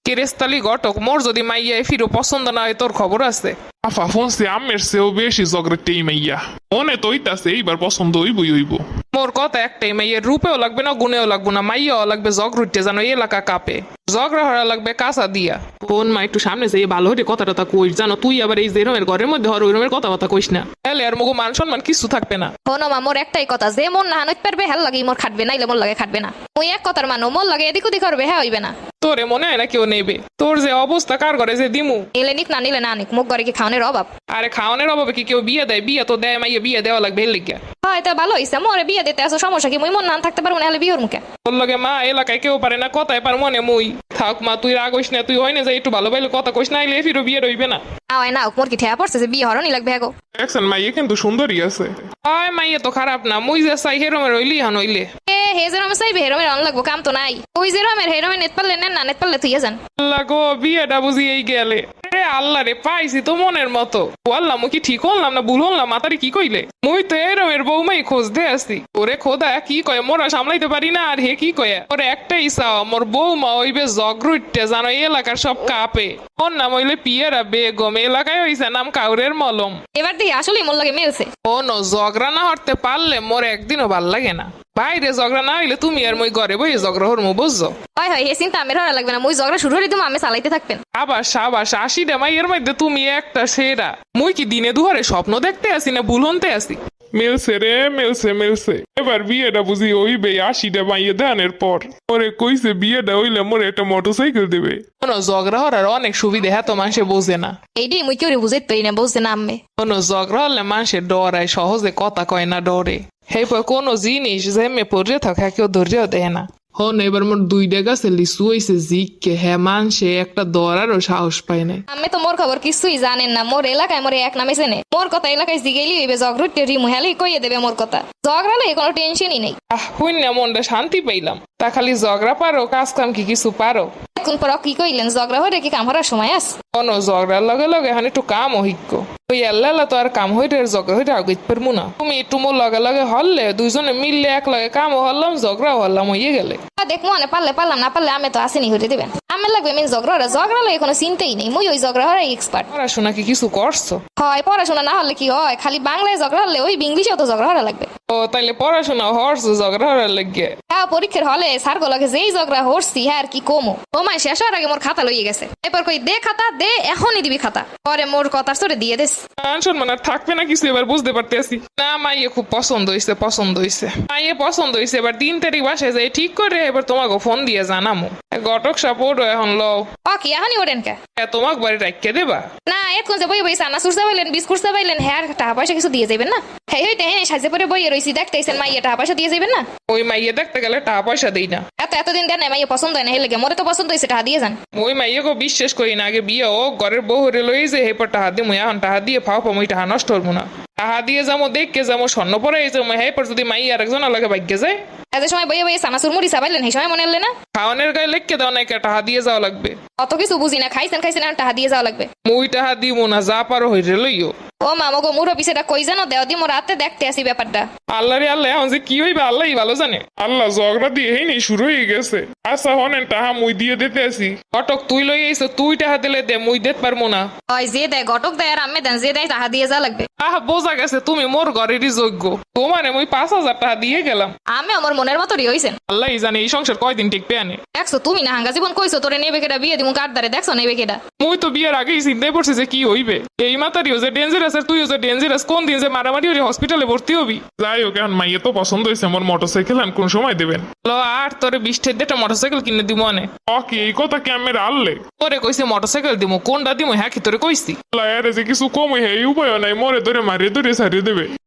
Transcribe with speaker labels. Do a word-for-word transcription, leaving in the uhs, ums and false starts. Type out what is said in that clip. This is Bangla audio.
Speaker 1: কেরেস্তালি ঘটক, মোর যদি মাইয়া ফিরো পছন্দ না হয় তোর খবর আছে?
Speaker 2: আফা ফোনসে আমের চেয়েও বেশি জগরেটেই মাইয়া মনে তো হইতাছে এইবার পছন্দ হইবই হইব।
Speaker 1: মোর কথা একটাই, মাইয়ের রূপেও লাগবে না, গুণেও লাগবে না, মাইয়াও লাগবে জগরুটে যেন এলাকা কাঁপে, ঝগড়া হরা লাগবে কাঁচা দিয়া। বোন মা একটু সামনে যাই ভালো হরে কথা টথা কইস, জানো তুই আবার এই যে রুমের ঘরের মধ্যে হর ওই রুমের কথা বার্তা কইস না, তাহলে আর মগো মান সম্মান কিছু থাকবে না।
Speaker 3: হনো মা, মোর একটাই কথা, যে মন না হানইতে পারবে হেল লাগে মোর খাটবে, নাইলে মোর লাগে খাটবে না। ওই এক কথার মানো, মোর লাগে এদিক ওদিক করবে হ্যাঁ হইবে না।
Speaker 1: তোরে মনে হয় না কেউ নেবে? তোর যে অবস্থা কার ঘরে যে দিমু,
Speaker 3: নিলে নিক না নিলে না নিক, মুখ ঘরে কি খাওয়ানোর অভাব?
Speaker 1: আরে খাওয়ানোর অভাবে কি কেউ বিয়ে দেয়? বিয়ে তো দেয়, মাইয়া বিয়ে দেওয়া লাগবে এর লিগা।
Speaker 3: হয় তা ভালো হইছে, মোরে বিয়ে দিতে আসো, সমস্যা কি? মুই মন না থাকতে পারবো না, হলে বিয়ের মুখে
Speaker 1: তোর লগে মা এলাকায় কেউ পারে না, কথায় পার মনে মুই। থাক মা, তুই রাগ হইস না, তুই হয় না যে একটু ভালো ভালো কথা কইস না, আইলে ফিরো বিয়ে রইবে না।
Speaker 3: আওয়াই না মোর কি ঠেয়া পড়ছে যে বিয়ে হরণই লাগবে হ্যাঁ গো?
Speaker 2: দেখছেন মাইয়া কিন্তু সুন্দরী আছে।
Speaker 1: হয় মাইয়া তো খারাপ না, মুই যে চাই হেরমের হইলি হান হইলে।
Speaker 3: এ হে যে রমে চাইবে হেরমের অন লাগবো, কাম তো নাই। ওই যে রমের হেরমে নেট পারলে নেন না, নেট পারলে তুই যান।
Speaker 1: আল্লাহ গো, বিয়েটা বুঝি এই গেলে। রে আল্লাহ রে, পাইছি তো মনের মতো। বললাম মুই কি ঠিক হলাম না ভুল হলাম? মাতারি কি কইলে? মুই তো এরমের বউমাই খোঁজ দে আসি। ওরে খোদা কি কয়, মোরা সামলাইতে পারি না আর হে কি কয়? ওরে একটাই চাও, মোর বউমা হইবে জগরুটে জানো এলাকার সব কাঁপে। ওর নাম হইলে পিয়ারা বেগম, এলাকায় হইছে নাম কাউরের মলম।
Speaker 3: এবার দেখি আসলে মোর লাগে মেলছে।
Speaker 1: ও নো, ঝগড়া না হরতে পারলে মোর একদিনও ভাল লাগে না। বাইরে ঝগড়া না হইলে তুমি আর মই ঘরে বই ঝগড়া হরমু, বুঝছো?
Speaker 3: হয় হয়, হে চিন্তা আমের হরা লাগবে না, মুই ঝগড়া শুরু হলে তুমি আমি চালাইতে থাকবেন।
Speaker 1: আবার সাবাস, আশিটা মাইয়ের মধ্যে তুমি একটা সেরা। মুই কি দিনে দুহারে স্বপ্ন দেখতে আসি না ভুল হতে আসি?
Speaker 2: মেলছে রে মেলছে মেলছে এবার বিয়েটা বুঝি হইবে আশিটা মাইয়া দানের পর। ওরে কইছে বিয়েটা হইলে মোরে একটা মোটরসাইকেল দেবে।
Speaker 1: কোনো ঝগড়া হরার অনেক সুবিধা, হ্যাঁ তো মানুষে বোঝে না।
Speaker 3: এইটাই মুই কেউ বুঝাইতে পারি না, বলছে না আম্মে।
Speaker 1: কোনো ঝগড়া হলে মানুষের ডরায়, সহজে কথা কয় না, ডরে। সেই পর কোনো জিনিস যেমে পড়ে থাকে কেউ ধৈর্য দেয় না। হন এবার মোর দুইটা গাছে লিচু হইছে জিককে, হ্যাঁ মানুষে একটা দরারও সাহস পায় না।
Speaker 3: আমি তো মোর খবর কিছুই জানেন না, মোর এলাকায় মোর এক নামে চেনে। মোর কথা এলাকায় জিগেলি হইবে জগরুটে রিমু হেলি কইয়ে দেবে মোর কথা। ঝগড়ালে কোনো টেনশনই নেই।
Speaker 1: আহ হুই না, মনটা শান্তি পাইলাম। তা খালি ঝগড়া পারো, কাজ কাম কি কিছু পারো?
Speaker 3: এখন পর কি কইলেন, ঝগড়া হয়ে কি কাম হওয়ার সময় আস?
Speaker 1: কোনো ঝগড়ার লগে লগে এখন একটু কাম অভিজ্ঞ ওই আল্লাহ তো আর কাম হইতে ঝগড়া হইতে আগে পারবো না। তুমি একটু মোর লগে লগে হরলে দুইজনে মিললে এক লগে কামও হরলাম, ঝগড়াও হরলাম, হইয়ে গেলে।
Speaker 3: দেখ মনে পারলে পারলাম, না পারলে আমি তো আসেনি হইতে দেবেন। আমি লাগবে মেন ঝগড়া হরে, ঝগড়া লাগে কোনো চিন্তাই নেই। মুই ওই ঝগড়া হরে এক্সপার্ট।
Speaker 1: পড়াশোনা কি কিছু করছো?
Speaker 3: হয় পড়াশোনা না হলে কি হয়, খালি বাংলায় ঝগড়া হলে ওই ইংলিশেও তো ঝগড়া হরা লাগবে।
Speaker 1: ও তাইলে পড়াশোনা হরছো ঝগড়া হরার লাগে?
Speaker 3: হ্যাঁ পরীক্ষার হলে সার গুলোকে যেই ঝগড়া হরছি হ্যাঁ আর কি কমো। তোমায় শেষ হওয়ার আগে মোর খাতা লইয়ে গেছে। এরপর কই দে খাতা দে, এখনই দিবি খাতা। পরে মোর কথা সরে দিয়ে দেস।
Speaker 1: মান সম্মান আর থাকবে না কিছু, এবার বুঝতে পারতেছি। না মাইয়ে খুব পছন্দ হইছে, পছন্দ হইছে, মাইয়ে পছন্দ হইছে। এবার তিন তারিখ বাসায় যাই ঠিক করে এবার তোমাকে ফোন দিয়ে জানামো। ঘটক সাপোর্ট এখন লও।
Speaker 3: ও কি এখনই ওরেন কে?
Speaker 1: তোমাকে বাড়ি রাখকে দেবা
Speaker 3: না? এখন যে বই বই সানা সুরসা পাইলেন, বিস্কুট পাইলেন, হ্যাঁ টাকা পয়সা কিছু দিয়ে যাবেন না? হ্যাঁ হইতে হ্যাঁ সাজে পরে বইয়ে রইছি, দেখতেছেন মাইয়া টাকা পয়সা দিয়ে যাবেন না?
Speaker 1: ওই মাইয়ে দেখতে গেলে টাকা পয়সা দেই না।
Speaker 3: এত এতদিন দেন মাইয়া পছন্দ হয় না, হেলে মোরে তো পছন্দ হয়েছে, টাকা দিয়ে যান।
Speaker 1: ওই মাইয়াকে বিশ্বাস করি না। আগে বিয়ে ও ঘরের বউ হরে লই যে হেপর টাহা দিয়ে মুই এখন টাহা দিয়ে ফাও পামই, টাহা নষ্ট হবো না। টাহা দিয়ে যাবো, দেখকে যাবো, স্বর্ণ পরে যাবো, হেপর যদি মাই আর একজন আলাদা ভাগ্যে যায়।
Speaker 3: এত সময় বইয়ে বইয়ে সানা সুরমুড়ি চাপাইলেন, সেই সময় মনে হলে না
Speaker 1: খাওয়ানোর গায়ে লেখকে দাও না, টাহা দিয়ে যাওয়া লাগবে।
Speaker 3: অত কিছু বুঝি না, খাইছেন খাইছেন টাকা দিয়ে যাওয়া লাগবে।
Speaker 1: মুই টাহা দিব না, যা পারো হইরে লইও।
Speaker 3: ও মামা গো, মুরো পিছেটা কই জানো দেও দি, মোর রাতে দেখতে আসি ব্যাপারটা।
Speaker 1: আল্লাহ রে আল্লাহ, এখন যে কি হইবে আল্লাহই ভালো জানে।
Speaker 2: আল্লাহ ঝগড়া দিয়ে এই নেই শুরু হয়ে গেছে। আচ্ছা হনেন টাহা মুই দিয়ে দিতে আসি।
Speaker 1: ঘটক তুই লই আইছো, তুই টাহা দিলে দে, মুই দিতে পারবো না।
Speaker 3: হয় যে দেয় ঘটক দেয় আর আমি দেন, যে দেয় টাকা দিয়ে যাওয়া লাগবে।
Speaker 1: আহ বোঝা গেছে তুমি মোর ঘরেরই যোগ্য। তোমারে মুই পাঁচ হাজার টাকা দিয়ে গেলাম।
Speaker 3: আমি আমার মনের মতোই হইছেন।
Speaker 1: আল্লাহ জানে এই সংসার কয়দিন টিকবে আনে।
Speaker 3: দেখছো তুমি না হাঙ্গা জীবন কইছো তোরে নেবে কেডা, বিয়ে দিমু কার দারে, দেখছো নেবে কেডা?
Speaker 1: মুই তো বিয়ের আগেই চিন্তায় পড়ছি যে কি হইবে। এই মাতারিও যে ডেঞ্জারাস আর তুইও যে ডেঞ্জারাস, কোন দিন যে মারামারি হলে হসপিটালে ভর্তি হবি।
Speaker 2: যাই হোক এখন মাইয়া তো পছন্দ হয়েছে, আমার মোটরসাইকেল এখন কোন সময় দেবেন?
Speaker 1: লো আর তোরে বিশ ঠের একটা মোটরসাইকেল কিনে দিব অনে।
Speaker 2: অকে এই কথা কি আমি আনলে?
Speaker 1: তোরে কইছে মোটরসাইকেল দিমু, কোনটা দিমু হ্যাঁ কি তোরে কইছি?
Speaker 2: আরে যে কিছু কম হয়ে এই উপায় নাই, মরে ধরে মারিয়ে ধরে সারিয়ে দেবে।